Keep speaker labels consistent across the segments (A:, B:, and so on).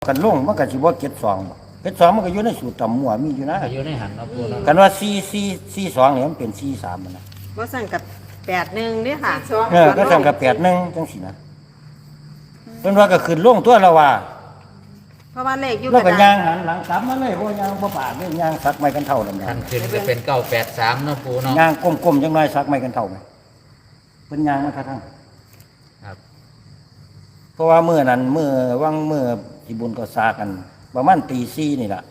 A: กันลงมันก็สิบ่เก็ดสองบ่เก็ดสองมันก็อยู่ในสูตรตำมั่วมีอยู่นะ
B: อยู่ในหันเนาะปูเนาะ
A: กันว่า4 2นี่มันเป็น4 3มันนะ
C: บ่สั่งกับ81เด้อค่ะ
A: ก็สั่งกับ8 1จังซี่นะเพิ่นว่าก็ขึ้นลงตัวแล้วว่า
C: เพราะว่าเลขอยู่
A: แล้ว
C: ก
A: ก็
C: ระ
A: ย่า
C: ดาง ษ
A: หันหลังกลับมาเลยบ่ย่างบ่ปากเลยย่างสักไม้กันเท่านั่น
B: ทั
A: น่ะ
B: นขึ้นก็เป็น983เนาะปูเนาะ
A: ย่างก้มๆจังหน่อยสักไม้กันเท่าไหมเพิ่นย่างมาทั้ง
B: ครับ
A: เพราะว่ามื้อนั้นมื้อวังมื้อที่บุญก็ซากันประมาณตี 4นี่ล่ะ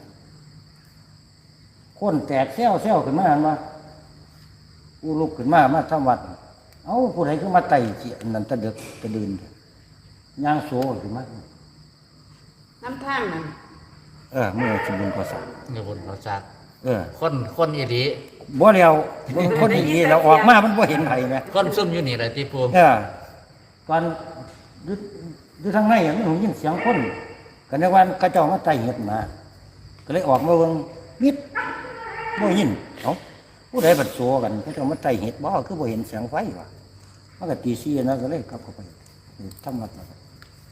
A: คนแตกแซวขึ้นมาหั่นว่ากูลุกขึ้นมาทำวัดเอ้าผู้ใดคือมาไต่เจียนั่นตะดึกตะดื่นย่างโซขึ้นมา
C: น้ำทางนั่น
A: มื้อที่บุญก็ซา
B: เงินบนเขาจัก
A: เออ
B: คนอีหลี
A: บ่แล้วเบิ่งคนดีๆแล้วออกมามันบ่เห็นไผแหม
B: คนซุ่มอยู่นี่แหละที่ปู
A: ตอนอยู่ทางในมันหูยินเสียงคนก็ในวันกระเจ้ามาไต่เห็ดมาก็เลยออกมาเบิ่งมิดบ่ยินเอ้าผู้ใดบัดโซกันกระเจ้ามาไต่เห็ดบ่คือบ่เห็นเสียงไฟวะมันก็ตี4นะก็เลยกลับเข้าไปทำวัดแล้ว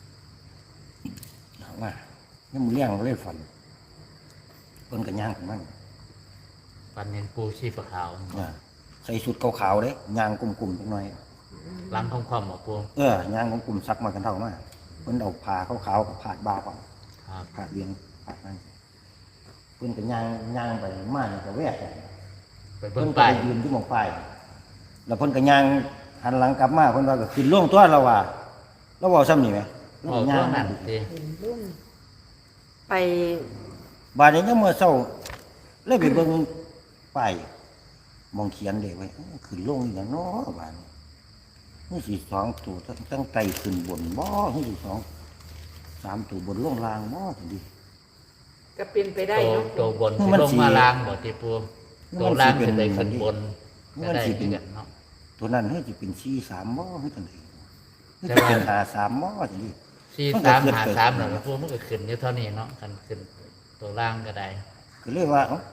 A: ว่ายังมื้อเลี้ยงก็เลยฝันเพิ่นก็ย่างของมัน
B: ปันเห็นปูชีพขาว
A: ใส่ชุดขาวๆเด้ย่างกลุ่มๆจังหน่อย
B: หลังของความบ่ปู
A: ย่างของกลุ่มซักมากันเท่ามาเพิ่นเอาผ้าขาวๆกับผ้าบาก่อน
B: ครับ
A: ผ้าเบียงผ้านั่นเพิ่นก็ย่างไปมาเนี่ยก็แวก
B: ไป
A: เพิ่
B: เบิ่
A: น
B: ง
A: ก็
B: ป้าย
A: ไปยืนที่หมองป้ายแล้วเพิ่นก็ย่างหันหลังกลับมาเพิ่นว่าก็ขึ้นล่วงตัวเราว่าเราเว้าซ้ำนี่แหมเรา
B: เอา
A: ก็
B: ตั
A: ย่าว ง
B: นั้นติ
C: ไป
A: บาดนี้ยามมื้อเช้าเลยไปเบิ่งป้ายมองเขียนเด้ไว้ขึ้นลงอีหยังเนาะบาดนี้นี่สิ2ตัวตั้งไตขึ้นบนบ่นี่สิ3ตัวบนลงล่างบ่จังซี่
C: ก็เป็นไปได้
B: ตัว
C: เนาะ
B: ตัวบน
A: มั
B: สิ
A: น
B: ลง
A: สิ
B: มาล่างบ่ที่ปู
A: มัน
B: ตัวล่าง
A: สิ
B: สิ
A: เป็
B: ได้
A: น
B: ขึ้นบน
A: มั
B: ก็
A: น
B: ได้
A: สิ
B: เห
A: เป็
B: มือน นกันเนาะ
A: ตัวนั้นเฮ้ยจะเป็น4 3บ่เฮ้ยจังได๋เฮ้ย
B: แต่
A: จะ
B: ว่า
A: เป็น5 3บ่จังซี่
B: 4353เนาะปูมันก็ขึ้นอยู่เท่านี้เนาะกันขึ้นตัวล่างก็ได้
A: ก็เลยว่าเอ้า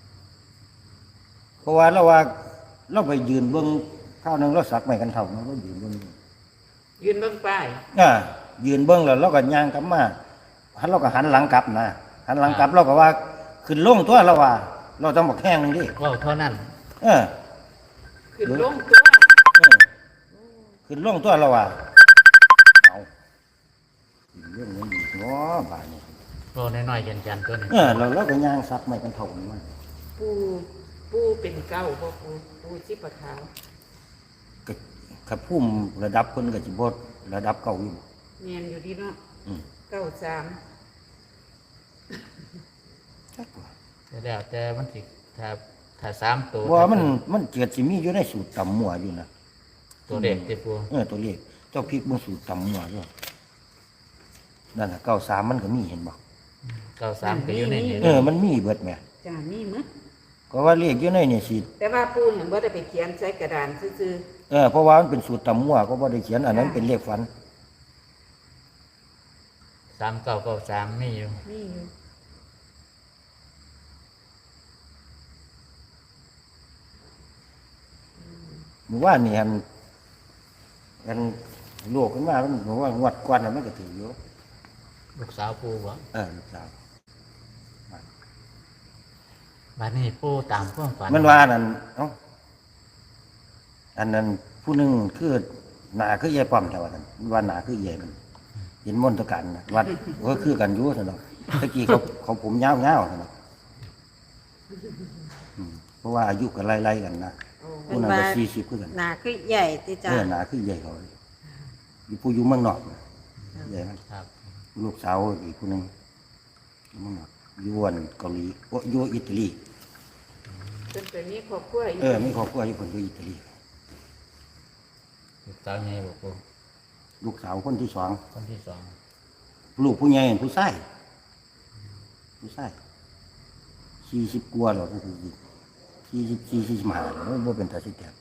A: เพราะว่าเราไปยืนเบิ่งข้าวหนึงเราสักไม้กันเท่าเนาะเรายืนเบิ่ง
C: ยืนเบิ่งป้าย
A: ยืนเบิ่งแล้วเราก็ย่างกลับมาเราก็หันหลังกลับนะหันหลังกลับเราก็ว่าขึ้นลงตัวเราว่า เราต้องบอกแห้งนึงดิ
B: เว้าเท่านั้น
A: เออ
C: ขึ้นลงตัว
A: เออขึ้นลงตัวเราว่าเอาเรื่องนี้อีกเนาะบาดนี้
B: โอ้น้อยๆยันๆตัวนี้
A: เราก็ย่างสักไม้กันเท่านี้มัน
C: ปูเป็นเก้าบ่ปูชีพขาว
A: ก็ขับพุ่มระดับเพิ่นก็สิบ่ระดับเก่าอยู่
C: แม่นอยู่ดีเนาะ
A: อืม
C: 93
A: จักว่า
B: แล้วแต่มันสิถ้า3ตัว
A: ว่ามันเกิดสิมีอยู่ในสูตรตำมั่วอยู่นะ
B: ตัวเด็กที่ปู
A: ตัวเลขเจ้าพริกมันสูตรตำมั่วด้วยนั่นน่ะ93มันก็มีเห็นบ่
B: 93ก็อยู่ในนี้
A: มันมีเบิดแหม
C: จ้ามีมั้ย
A: ก็ว่าเลขอยู่ในนี่สิ
C: แต่ว่าปูเนี่ยบ่ได้ไปเขียนใส่กระดานซื่อ
A: เพราะว่ามันเป็นสูตรตำมั่วก็บ่ได้เขียนอันนั้นเป็นเลขฝัน
B: 3993มีอยู่
C: ๆมีอยู่
A: หมู่ว่านี่อันโลกขึ้นมามันบอกว่างวดก่อนน่ะมันก็ถืออยู่
B: ลูกสาวปูบ่
A: ลูกสาว
B: บัดนี้ปูตามความฝัน
A: มันว่านั่นอันนั้นผู้หนึงคือหน้าคือยายป้อมแต่ว่านั้นว่าหน้าคือยายมันเห็นมนตการนะวัดก็คือกันอยู่ซั่นดอกตะกี้เขาผมยาวๆซั่นดอกเพราะว่าอายุก็ไล่ๆกันนะผู้นั้นก็40คือกัน
C: หน้าคือใหญ่ติจ้า
A: หน้าคือใหญ่เขาเลยอยู่ผู้อยู่เมืองนอกน่ะใหญ่มัน
B: ครับ
A: ลูกสาวอีกคนหนึ่งอยู่เมืองนอกอยู่อันเกาหลีอยู่อิตาลี
C: เพิ่นไปมีครอบครัวอยู่
A: มีครอบครัวอยู่คนอยู่อิตาลี
B: ลูกสาวใหญ่บ่ปู
A: ลูกสาวคนที่สอง
B: คนที่สอง
A: ลูกผู้ใหญ่ผู้ชาย40กว่าแล้วก็คือ44 45แล้วบ่เป็นตาสิแก่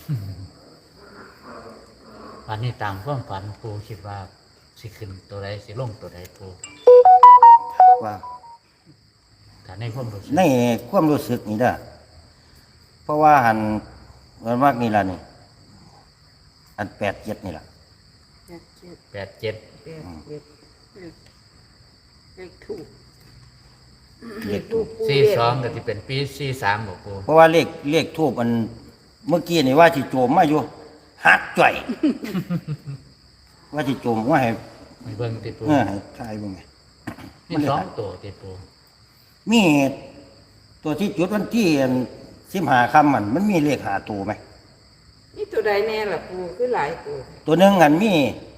B: วันนี้ตามความฝันปูคิดว่าสิขึ้นตัวใดสิลงตัวใดปู
A: ว่า
B: ถ้าในความรู้สึก
A: ในความรู้สึกนี่เด้อเพราะว่ามันมากนี่ล่ะนี่อัน87นี่ล่ะ
C: 87
B: 87
C: 87 เลขถูก
A: เลขทูบ
C: ปู
B: สี่
C: เรียก
B: สองก็ที่เป็นปีสี่สามบ่ปู
A: เพราะว่าเลขทูบมันเมื่อกี้นี่ว่าสิโจมมาอยู่หักจ่อย ว่าสิโจมว่าให้
B: มีเบิ่งติปู
A: ให้ทายเบิ่งไง
B: มีสองตัวติปู
A: มีตัวที่จุดวันที่15ค่ำมันมีเลข5ตัวไหม
C: นี่ตัวใดแน่ล่ะปูคือหลายตัว
A: ตัวหนึงอันมี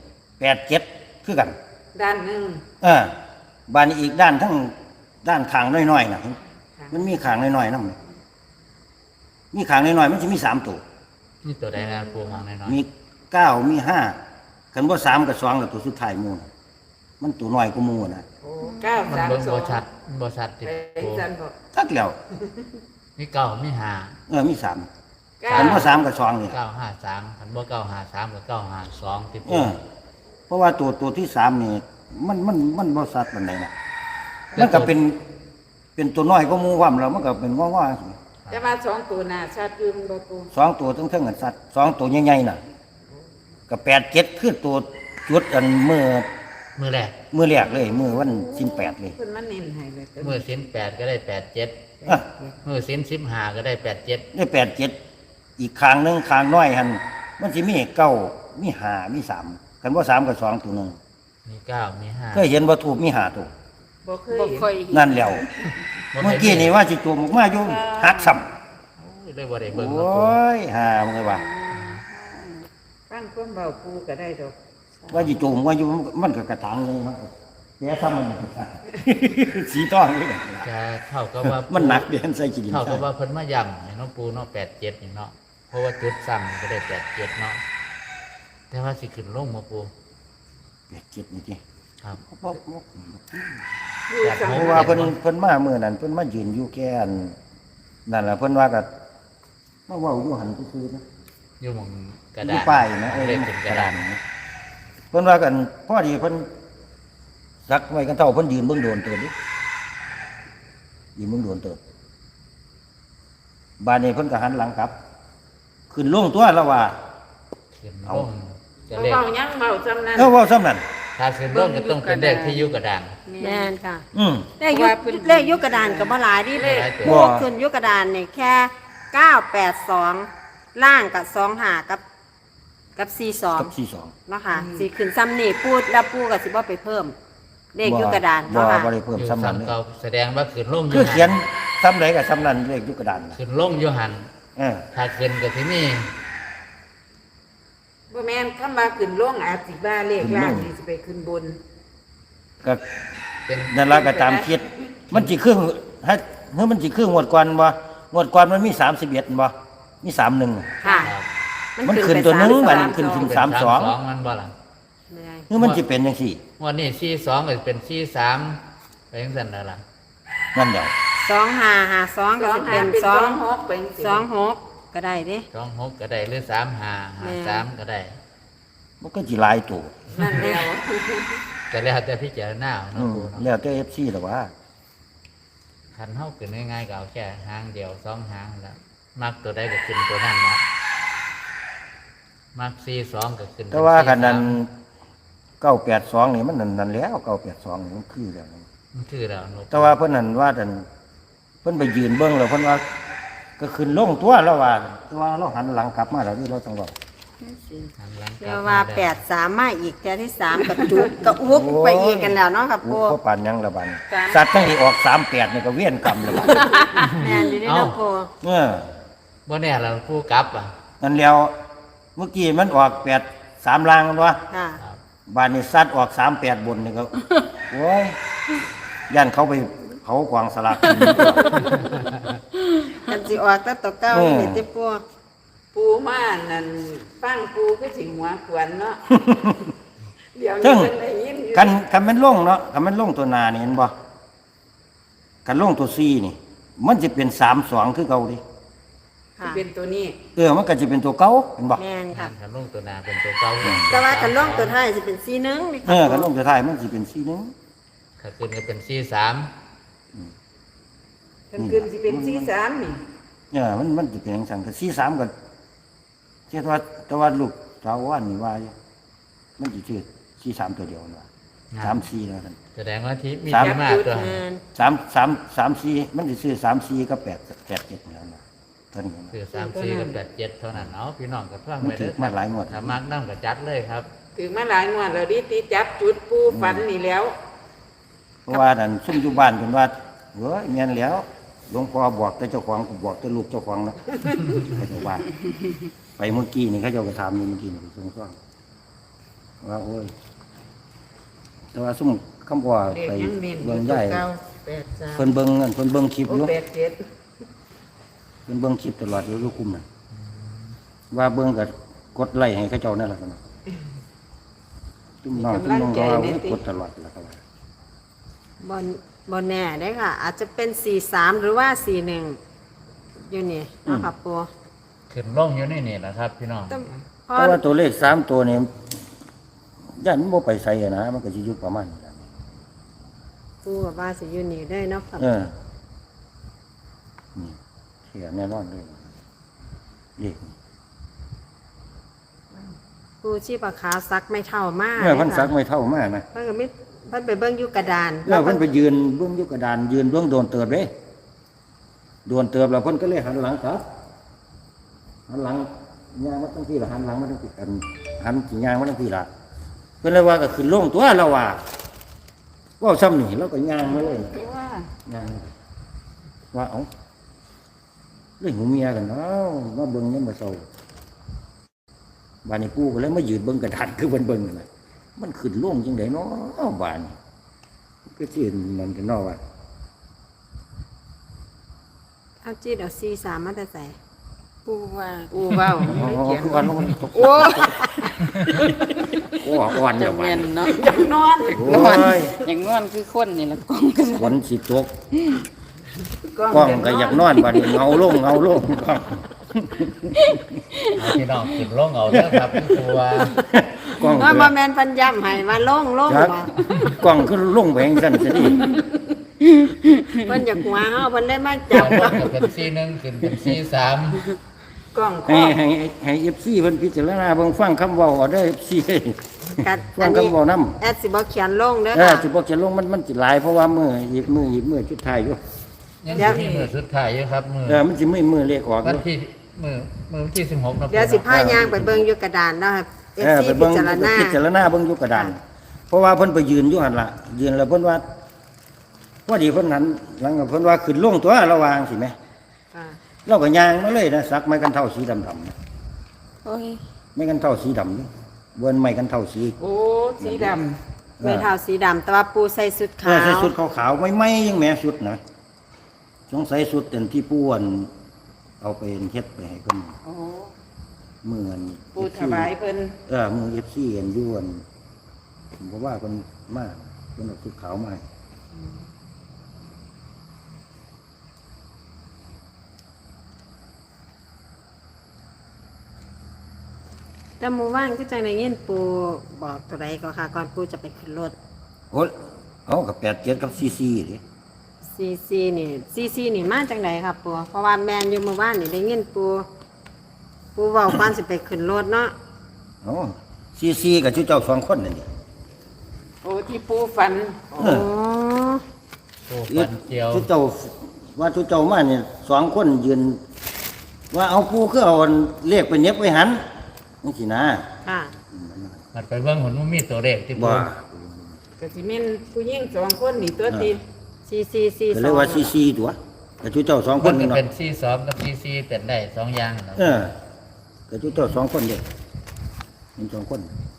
A: 87คือกัน
C: ด้านหนึง
A: บานนี้อีกด้านทั้งด้านขางน้อยๆน่ะมันมีขางน้อยๆนำมีขางน้อยๆมันสิมี3ตัว
B: นี่ตัวใดนะปูมองหน่อย
A: มี9มี5คันบ่3กับ2แล้วตัวสุดท้ายหมู่น่ะมันตัวน้อยกว่าหมู่น่ะ
C: โอ้เก้า
B: ๆมัน
C: สาม
B: เบิ่ง
C: สอ
B: บ่
C: ง
B: ชัดบ่ชัดติ
C: เป็น
B: ปู
C: จันบอก
A: จักแล้ว
B: มีเก้ามีห้า
A: มี3
C: เก้า
A: คันบ่3กับ2นี่
B: เก้าห้าสามคันบ่เก้าห้าสามกับเก้าห้าสองติปู
A: เพราะว่าตัวที่3นี่มันบ่ชัดปานใดน่ะมันก็เป็นตัวน้อยกว่าหมู่ความแล้วมันก็เป็นง้อๆ
C: แต่ว่าสองตัวหน้าชัดอยืมบ่ปู
A: สองตัวทั้งกันสัตว์2ตัวใหญ่ๆน่ะก็87คือตัวจุดอันมือ
B: มือแรก
A: แรกเลยมือวัน18เลย
C: เพิ่นมาเน้นให้เลย
B: มือสิ้นแปดก็ได้แปดเจ็ด
A: อ่ะ
B: มือสิ้น15ก็ได้แปดเจ็ด
A: ได้87อีกข้างหนึงข้างน้อยหั่นมันสิมี9มี5มี3คันบ่3กับ2ตัวหนึง
B: มีเก้ามีห้า
A: เคยเห็นว่าทูบมี5ตัว
C: บ่เค
D: บ่
C: ย
D: ค่อยเห็น
A: นั่นแล้วเมื่อกี้นี่ว่าสิตัวออกมาอยู่หักซ้ำ
B: ได้บ่ได้
A: โอ
B: เบิ่งเนาะปู
A: ้ยหามันเลยว่า
C: ฟังความเบาปูก็ได้ดอก
A: ว่าสิตัวว่าอยู่มันก็กระถางเลยมันแย่ซ้ำมัน สีทองเลย
B: จะเท่ากับว่า
A: มันหนักเดือนใส่ขี้ดิน
B: เท่ากับว่าเพิ่นมาย่ำให้น้องปูเนาะแปดเจ็ดนี่เนาะเพราะว่าจุดซ้ำก็ได้แปดเจ็ดเนาะแต่ว่าสิขึ้นลงมาปู
A: 87นี่ติ
B: ครับ
C: อยู่สัง
A: เพราะว่าเพิ่นมาเมื่อนั้นเพิ่นมายืนอยู่แค่อันนั่นแหละเพิ่นว่าก็มาเว้าอยู่หันซื่อๆนะ
B: อยู่หมองกระ
A: อ
B: ดา
A: ยู่
B: ษ
A: ป้ายนะ
B: เลขเป็นกระดาษ
A: นะเพิ่นว่ากันพอดีเพิ่นสักไว้กันเท่าเพิ่นยืนเบิ่งโดนเติบดิยืนเบิ่งโดนเติบบ้านนี้เพิ่นก็หันหลังกลับ ขึ้นลงตัวแล้วว่า
B: ขึ้นล
A: เอา
B: งจะเลข
C: เบายังเบาจำนั้น
A: เอ้าเว้าซ้ำนั่น
B: ถ้าขึ้นลงก็ต้องเป็นเลขที่อยู่กระดาน
D: แม่นค่ะ
A: อืม
D: เลขยุกกระดานกับบ่หลายดิเลข
A: บ่
D: พวกขึ้นยุกกระดานนี่แค่982ล่างกับ25กับ
A: กับ
D: 42
A: 42
D: เนาะค่ะสิขึ้นซ้ำนี่พูดแล้วปูก็สิบ่ไปเพิ่ม เลขยุกกระดาน
A: บ่
D: เนาะค่ะ
A: บ่ได้เพิ่ม
B: อยู่
A: ซ้ำนั้นเลย
B: ซ้ำเก่าแสดงว่าขึ้นลงอ
A: คื
B: ยู่
A: อเขียนซ้ำใดก็ซ้ำนั้นเลขอยู่กระดานน่ะ
B: ขึ้นลงอยู่หัน
A: เออ
B: ถ้าขึ้นก็ที่นี่
C: บ่แม่นคำว่าขึ้นลงอาจสิว่าเลขล่างนี่สิไปขึ้นบน
A: ก็
B: เป็น
A: นั่นละก็ตามคิด มันสิครึ่งให้เฮ้ยมันสิครึ่งงวดก่อนบ่งวดก่อนมันมี31บ่มี31
D: ค่ะ
B: ครับ
A: มันขึ้นตัวหนึงมันขึ้น
D: 32
A: ถึง
B: เป็น
A: 32
B: มันบ่ล่ะ
D: แม่น
A: คือมันสิเป็นจังซี่
B: วันนี้42ก็เป็น43ไปจังซั่นแล้วล่ะ
A: นั่นเดียว
D: 2552ก็สิเป็น
C: เป็น
D: 2
C: 26เป็นสิ
D: 26ก็ได้เด้
B: 26ก็ได้หรือ3553ก็ได้
A: มันก็สิหลายตัว
C: นั่นแล้ว
B: แต่แล้วแต่พิจารณาเอา
A: อื
B: เนาะ
A: ม
B: ปูเนาะ
A: แล้วแต่ FC ล่ะว่า
B: คันเฮาขึ้นง่ายๆก็เอาแค่หางเดียว2หางนั่นล่ะมักตัวใดก็ขึ้นตัวนั้นเนาะมัก42ก็ขึ้นเป็น
A: แต่ว่าคันนั้น
B: 43
A: 982นี่มันนั่นแล้ว982นี่มันคือแล้วนะ
B: มันคือแล้วเนาะ
A: แต่ว่าเพิ่นนั่นว่านั่นเพิ่นไปยืนเบิ่งแล้วเพิ่นว่า ก็ขึ้นลงตัวแล้วว่าแต่ว่าเราหันหลังกลับมาแล้วนี่เราต้องเว้า
B: หันหลังก
D: เรี
B: ลั
D: ย
B: บ
D: ก
B: ม
D: ว่า
B: ได้
D: 83มาอีกแค่ที่3กระจุกกระอุกไปอีกกันแล้วเนาะค่ะ
A: โอ้
D: ปู
A: เขาปานหยังละบัดนี้สัตว์ทั้งที่ออก38นี่ก็เวียนกรรมแล้วบัด
D: แม่นอยู่ในเนาะปู
A: เออ
B: บ่แน่เราผู้กลับอ่ะ
A: นั่นแล้วเมื่อกี้มันออก83ล่างมันวะ
D: ค่ะ
B: ครับ
A: บ้านนี้สัตว์ออก38บนนี่ก็ โอ้ยย่านเขาไปเผากวางสลากกิน
D: กันสิออกแต่ตัวเก่า
A: อืม
D: นี่ติปู
C: ปูมานั่นฟังปูก็สิหัวขวนเนาะเดี๋ยว
A: ซึ่
C: นี้
A: ง
C: เพิ่นได้ยินอยู่
A: คันแมันลงเนาะคันแมันลงตัวหนานี่เห็นบ่คันลงตัว4นี่ มันจะเป็น32คือเก่าดิ
D: ค่ะ
C: เป็นตัวนี้
A: มันก็จะเป็นตัวเก่าเห็นบ่
D: แม่นค่ะ
B: คันลงตัวหนาเป็นตัวเก่า
D: แต่ว่ากันล่องตัวท้ายสิเป็นสีหนึงนี่
A: เอ
D: ค่ะ
A: อคันลงตัวท้ายมันสิเป็น4นึง
B: ถ้าขึ้นก็เป็น43
C: เพิ่นขึ้นสิเป็น43นี่
A: มันสิเป็นจังซั่นก็43ก็เชื่อว่าแต่ว่าลูกสาวว่านี่ว่าอยู่มันสิชื่อ43ตัวเดียวนั่นว่า 3-4แล้วกัน
B: แสดงว่าที่มี
A: สาม
B: ที่มากตัว
D: งาน
A: 3-4มันสิซื้อ3-4กับ8-7แล้วนะเท่านี้นะ
B: คือ3-4กับ8-7เท่านั้นเอาพี่น้องกับเพื่อน
A: มัน
B: ไป
A: ถื
B: เด้
A: อ
B: อ
A: มาหลายงวด
B: ถ้ามักน้ำกับจัดเลยครับ
C: ถึงมาหลายงวดแล้วดิตีจับจุดปูฝันนี่แล้ว
A: เพราะว่านั่นซุ่มอยู่บ้านเพิ่นว่าเฮ้ยแม่นแล้วหลวงพ่อบอกแต่เจ้าของก็บอกแต่ลูกเจ้าของเนาะ เขาเจ้าว่าไปเมื่อกี้นี่เขาเจ้าก็ถามอยู่เมื่อกี้นี่ซุ่มฟังว่าโอ้ยแต่ว่าซุ่มคำว่า
C: เด็ก
A: ไป
C: ยังเน้น
A: เบิ่งใหญ่
C: เก้า83
A: เพิ่นเบิ่งนั่นเพิ่นเบิ่งคลิป
C: โอ้
A: อยู่
C: 87
A: เพิ่นเบิ่งคลิปตลอดอยู่ลูกคุมน่ะว่าเบิ่งก็กดไลค์ให้เขาเจ้านั่นแหละกันเนาะตุ้มน้องตุ้มน้องก็ว่าโอ้ยกดตลอดแล้วก็ว่า
D: บนแน่ได้ค่ะ อาจจะเป็น43หรือว่า41อยู่นี่เนาะค่ะปู
B: ขึ้นลงอยู่ในนี่แหละครับ พี่น้อง
D: แต่พอ
A: แต่ว่าตัวเลข3ตัวนี่ย่านมันบ่ไปไสอะนะมันก็สิอยู่ประมาณนี้ล่ะ
D: ปูกับว่าสิอยู่นี่ได้เนาะค่ะ
A: เออนี่เสียแน่นอนเลยเลขนี่
D: ปูชีพขาวซักไม่เท่ามาก
A: เมื่อเพิ่นสักไม่เท่ามากนะ
D: เพิ่นก็ไม่เพิ่นไปเบิ่งอยู่กระดาน
A: เมื่อเพิ่นไปยืนเบิ่งอยู่กระดานยืนเบิ่งโดนเติบเด้โดนเติบแล้วเพิ่นก็เลยหันหลังครับหันหลังย่างมาตั้งที่ละหันหลังมาตั้งที่กันหันสิย่างมาตั้งที่ละเพิ่นเลยว่าก็ขึ้นลงตัวเราว่าเว้าซ้ำนี่เราก็ย่างมาเลย
C: ว่า
A: ย่างว่าเอ้าเรื่องหูเมียกันเนาะมาเบิ่งยังบ่เซาบ้านนี้ปู่ก็เลยมายืนเบิ่งกระดานคือเพิ่นเบิ่งนั่นน่ะมันขึ้นลงจังได๋เนาะบ้านนี้ก็สินั่นกันเนาะว่า
D: เอาจีดเอา43มาแต่ใส่
C: ปูว่าปูเว้า
A: อ๋อ
C: ไม่เขียน
A: คือวันลงมันตก
C: โอ้
A: โอ้อ่อน
E: จะ
A: เดี๋ยว
E: แม่นเนาะ
C: ยังนอน
A: โอ้ย
E: อย่างนอนคือคนนี่ละกองกัน
A: ฝนสิตกกล้องก็อยากนอนบัดนี้เงาลงกล้อง
B: เอาพี่น้องขึ้นลงเอาเด้อครับครูว่าก
A: ล้อง
D: ว่าบ่แม่นเพิ่นย้ำให้ว่าลง
A: ครับ
D: บ่
A: กล้องคือลงไปจังซั่นซะดิ
D: เพิ่นอยากหัวเฮาเพิ่นเลยมา
B: จั
D: จั
B: บบ ก็เป็น4-1ขึ้นเป็น4-3
C: กล้องค
A: ให้
C: รอบ
A: ให้ FC เพิ่นพิจารณาเบิ่งฟังคำเว้าเอาเด้อ FC
D: กัด
A: ฟังคำเว้านำ
D: แอดสิบ่เขียนลงเด้อ
A: สิ
D: ค่ะ
A: บ่จะลงมันสิหลายเพราะว่ามื้อชุดท้ายอยู่
B: ยังสิมีมือสุดท้ายอยู่ครับมือ
A: มันสิมื้อเลขออกอ
B: วัน
A: ยู่
B: ที่มือวันที่16เนาะ
D: เดี๋ยวสิพาย่างไปเบิ่งอยู่กระดานเนาะค่ะ FC
A: ไป
D: พิ
A: เบิ่ง
D: จารณา
A: พิจารณาเบิ่งอยู่กระดาน เพราะว่าเพิ่นไปยืนอยู่หั่นล่ะยืนแล้วเพิ่นว่าพอดีเพิ่นนั้นหลังกับเพิ่นว่าขึ้นลงตัวระวางสิแม่
D: ค่ะ
A: เราก็ย่างมาเลยนะสักไม้กันเท่าสีดำๆนะ
E: โอ้ย
A: ไม้กันเท่าสีดำนี่เบิ้นไม้กันเท่าสี
C: โอ้สีด
D: ไม่เท่าสีดำแต่ว่าปูใส่สุด
A: เอ
D: ขา
A: อใส่
D: ว
A: สุดขาวๆไม่ยังแม่สุดนะสงสัยสุดเต็มที่ป้วนเอาไปเฮ็ดไปให้เพิ่น
C: ำโอ้
A: เมื่อน
C: ปูถวายเพิ่น
A: มือFCอันอยู่อันผมก็ว่าเพิ่นมากเพิ่นเอาสุดขาวมาให้
D: แต่หมู่บ้านก็จังได้ยินปูบอกตัวใดก็ค่ะ ก่อนปูจะไปขึ้นรถ
A: โอ้เอากับ87กับ44ดิ
D: ซีนี่มาจังไดครับปูเพราะว่าแมนอยู่หมู่บ้านนี่ได้ยินปูเว้าก่อนสิไปขึ้นรถเนาะ
A: เอา44กับชื่อเจ้าสองคนนั่นนี่
C: โอ้ที่ปูฝัน
D: โอ้
B: โอ้ปันเจียว
A: ชื่อเจ้าว่าชื่อเจ้ามาเนี่ยสองคนยืนว่าเอาปูคือเอาเลขไปเน็บไว้หันนี่สินะ
D: ค่ะ
B: มันไปเบิ่งหุ่นมันมีตัวเลขที่
A: บ่
B: ปู
C: ก็สิแม่นผู้หญิง2คนนี่ตัวติ
D: ซี
A: ก็เลยว่าซีตัวแต่ชื่อเจ้าสองค
B: มัน นก็
A: นี่เนาะ
B: เป็น42กับ44เป็นได้2อย่างเนาะ
A: แต่ชื่อเจ้าสองคนเด็กเป็นสองคน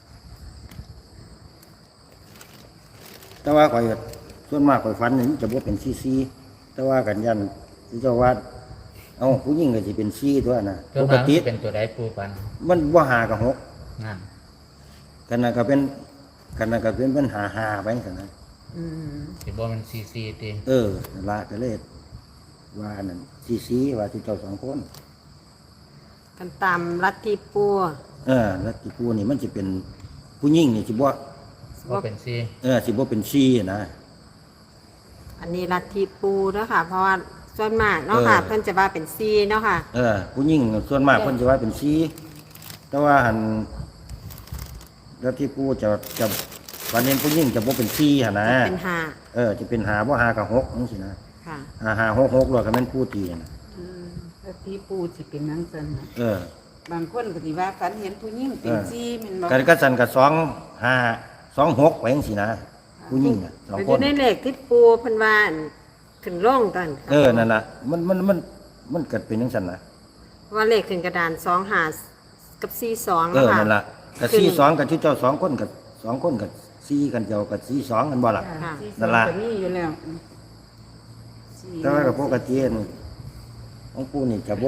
A: แต่ว่าข่อยส่วนมากข่อยฝันนี่จะบ่เป็นซีแต่ว่ากันยันที่เจ้าว่าเอาผู้หญิงก็สิเป็นซีตัวน่ะ
B: ตัว
A: ปก
B: นั้น
A: ติ
B: เป็นตัวใดปูปัน
A: มันบ่หากับหก
B: นั่น
A: กันน่ะก็เป็นปัญหาไปซั่นนะ
C: อืม
B: สิบ่มัน44ติ
A: นั่นละก็เลยว่านั่นซีว่าที่เจ้าสองคน
D: กันตามลัทธิปู
A: แล้วที่ผู้นี่มันจะเป็นผู้หญิงนี่สิบ่
B: บ่เป็น4
A: สิบ่เป็นซีนะ
D: อันนี้ลัทธิปูเนาะค่ะ เพราะว่าส่วนมากเนาะค่ะ เพิ่นจะว่าเป็นซีเนาะค่ะ
A: ผู้หญิงส่วนมากเพิ่นจะว่าเป็นซีแต่ว่าหันแล้วที่ผู้จะวันนี้ผู้หญิงจะบ่เป็น4หั่นนะ
D: เป็นห้า
A: จะเป็นหาบ่หากับ6จังซี่นะ
D: ค่ะ
A: หา6 6แล้วก็แม่นผู้ตีนะ
C: ถ้าที่ปูสิเป็นนังสันน่ะ
A: เออบ
C: างคนก็สิว่าฝันเห็นผู้หญิงเป็นซีแมันบอก
A: กันก็สั่นกับ2 5 2 6ไปจังซี่นะผู้หญิงน่ะสอง
D: อ
A: ค
D: ยู่
A: น
D: ในเลขที่ปูเพิ่นว่าขึ้นร่องกันค่ะ
A: นั่นน่ะมันเกิดเป็นจังซั่นนะ
D: ว่าเลขขึ้นกระดาน2 5กับ4 2แล้วค่ะ
A: นั่นล่ะกับ42กับชุดเจ้า2คนกับ2คนกับ4กันเจ้ากับ42กันบ่ล่ะ
D: ค่ะ
C: ที่
A: นั่นล่ะ
C: ก็มีอยู่แล้วสี่
A: แต่ว่ากับปกตินี่ของปู่นี่จะ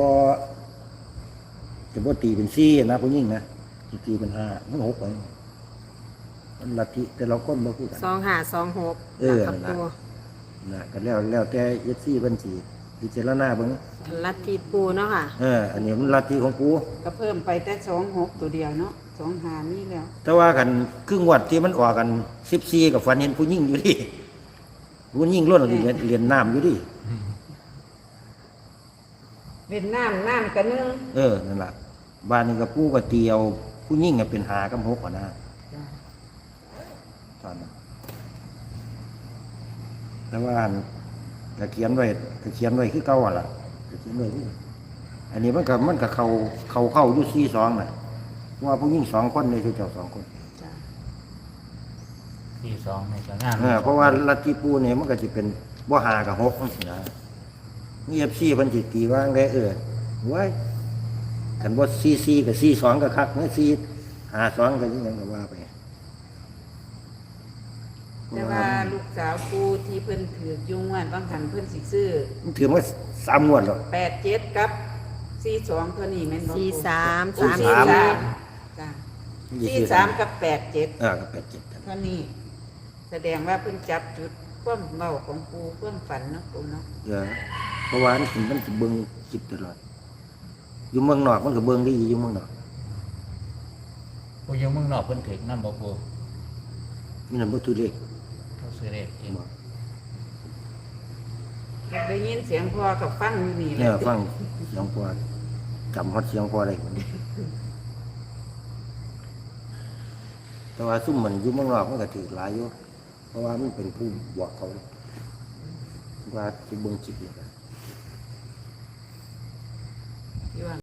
A: บ่ตีเป็น4นะผู้หญิงนะสิตีเป็น5มัน6ไปมันลัทธิแต่เราคนบ่คือกัน
D: 2 5 2 6
A: เออ
D: กับ
A: นั่น
D: ปู
A: ล่ะก็แล้วแต่ FC เพิ่นสิพิจารณาเบิ่ง
D: ลัทธิปูเนาะค่ะ
A: อันนี้มันลัทธิของปู่
C: ก็เพิ่มไปแต่26ตัวเดียวเนาะ25นี่แล้ว
A: แต่ว่ากันครึ่งวัดที่มันออกกัน14กับฝันเห็นผู้หญิงอยู่ดิผู้หญิงล้วนเรียนน้ำอยู่ดิ
C: เวียดนามน้ำกันนึง
A: นั่นล่ะบ้านนี้ก็ปู่ก็เตียวผู้หญิงก็เป็น5กับ6อ่ะนะตอนนั้นแต่ว่าอันก็เขียนไว้คือเก่าอ่ะล่ะก็เขียนไว้คืออันนี้มันก็เข้าอยู่42น่ะว่าผู้หญิง2คนนี่คือเจ้า2คน
B: ที่สองในก็งาน
A: เพราะว่าลัทธิปู่นี่มันก็สิเป็นบ่5กับ6จังซี่นะมี FC เพิ่นสิตีว่าจั่งใดไว้คันบ่44กับ42ก็คักนะ52ก็ยังก็ว่าไป
C: แต่ว่าลูกสาวปูที่เพิ่นถือกยุงวันบางหันเพิ่นสิซื้อ
A: มันถือว่า3งวดแล้ว
C: 87กับ42ตัวนี้แม่นบ่
D: 43
C: ปู
A: สาม
C: จ้ะ43กับ87
A: ก็87กัน
C: เท่านี้แสดงว่าเพิ่นจับจุดความเมาของปูความฝันเนาะปูเนาะ
A: เพราะว่ามันสิเบิ่งคลิปตลอดอยู่เมืองนอกมันก็เบิ่งได้อยู่เมืองนอก
B: ผู้ยังเมืองนอกเพิ่นถึงนำบ่ปู
A: มีนั่นบ่ถือเลข
B: เขาซื้อเลขเอง
A: บ่
C: ได้ยินเสียงพ่อกับฟังอยู่นี่แห
A: เนี่
C: ละ
A: ยฟังเสียงพอจำฮอดเสียงพอได้พุ่นแต่ว่าซุ่มมันอยู่เมืองนอกมันก็ถือหลายอยู่เพราะว่ามันเป็นผู้บอกเขาว่าสิเบิ่งคลิปนี่
C: ที่ว่า